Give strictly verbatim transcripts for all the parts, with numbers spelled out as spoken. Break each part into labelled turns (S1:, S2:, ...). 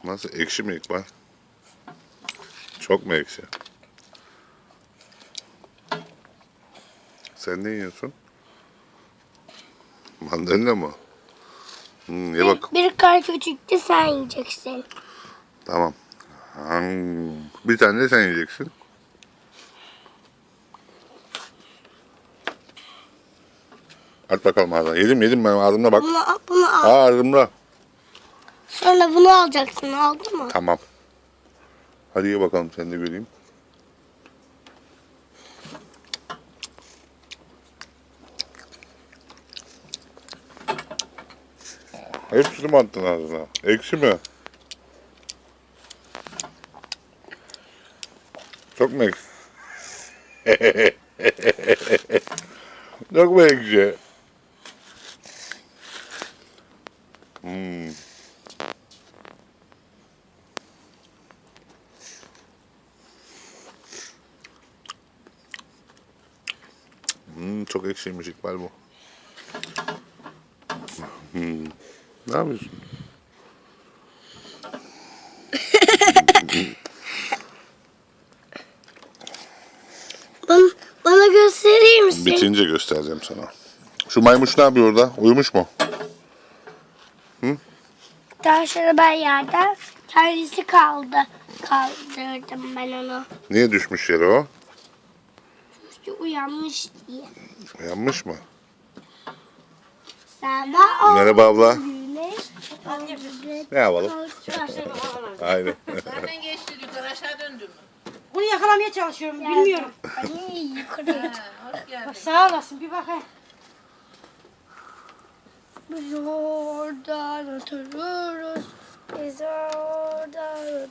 S1: Nasıl? Ekşi mi İkbal? Çok mu ekşi? Sen ne yiyorsun? Mandalina mı? Hmm, ye bak.
S2: Bir, bir kar küçüktü, sen yiyeceksin.
S1: Tamam. Hmm, bir tane de sen yiyeceksin. At bakalım ağzına. Yedim yedim ben ağzımda bak.
S2: Bunu, al- bunu al.
S1: Aa ağzımda.
S2: Sonra bunu alacaksın, aldın mı?
S1: Tamam. Hadi ye bakalım sen de göreyim. Hepsini mi attın ağzına? Ekşi mi? Çok mu ekşi? Çok mu ekşi? Hmm. Hmm, çok ekşiymiş İkbal bu. Hmm. Ne yapıyorsun?
S2: Bana, bana gösterir misin?
S1: Bitince göstereceğim sana. Şu maymuş ne yapıyor orada? Uyumuş mu?
S2: Daha sonra ben yerden kendisi kaldı. Kaldırdım ben onu.
S1: Niye düşmüş yere o?
S2: İşte uyanmış diye.
S1: Uyanmış mı?
S2: Sabah oldu.
S1: Merhaba abla.
S2: Güneş.
S1: Ne yapalım? Aynen.
S3: Nereden geçti yukarı aşağı döndü mü?
S4: Bunu yakalamaya çalışıyorum. Bilmiyorum.
S2: Anne yukarıya.
S3: Ha, hoş geldin.
S4: Bak sağ olasın. Bir bakayım.
S2: Biz oradan otururuz. Biz oradan otururuz.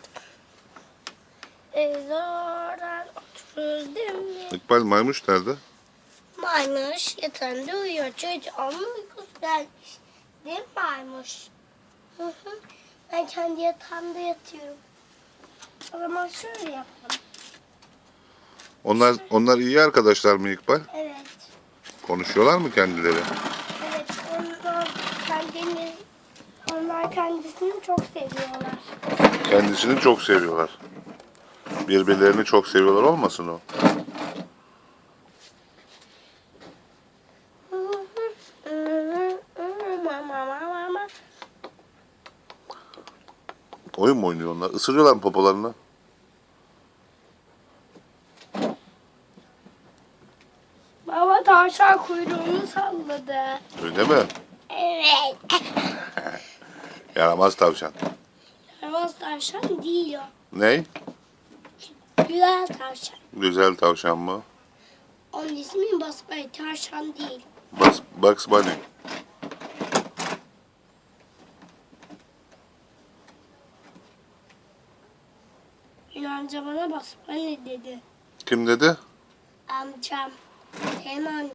S2: Biz oradan otururuz değil mi?
S1: İkbal maymuş nerede?
S2: Maymuş yatağında uyuyor. Çocuğun uykusu gelmiş. Değil mi maymuş? Hı hı. Ben kendi yatağımda yatıyorum. O zaman şöyle yapalım.
S1: Onlar onlar iyi arkadaşlar mı İkbal?
S2: Evet.
S1: Konuşuyorlar mı kendileri?
S2: Evet. Onlar kendini, onlar kendisini çok seviyorlar.
S1: Kendisini çok seviyorlar. Birbirlerini çok seviyorlar olmasın o?
S2: Mama mama mama.
S1: Oyun mu oynuyor onlar? Isırıyorlar mı popolarını?
S2: Baba tavşan kuyruğunu salladı.
S1: Öyle mi?
S2: Evet.
S1: Yaramaz tavşan.
S2: Yaramaz tavşan değil o.
S1: Ney?
S2: Güzel tavşan.
S1: Güzel tavşan mı?
S2: Onun ismi basbay tavşan değil.
S1: Bugs, Bugs Bunny.
S2: Yunanca bana basbay dedi.
S1: Kim dedi?
S2: Amcam. Hemen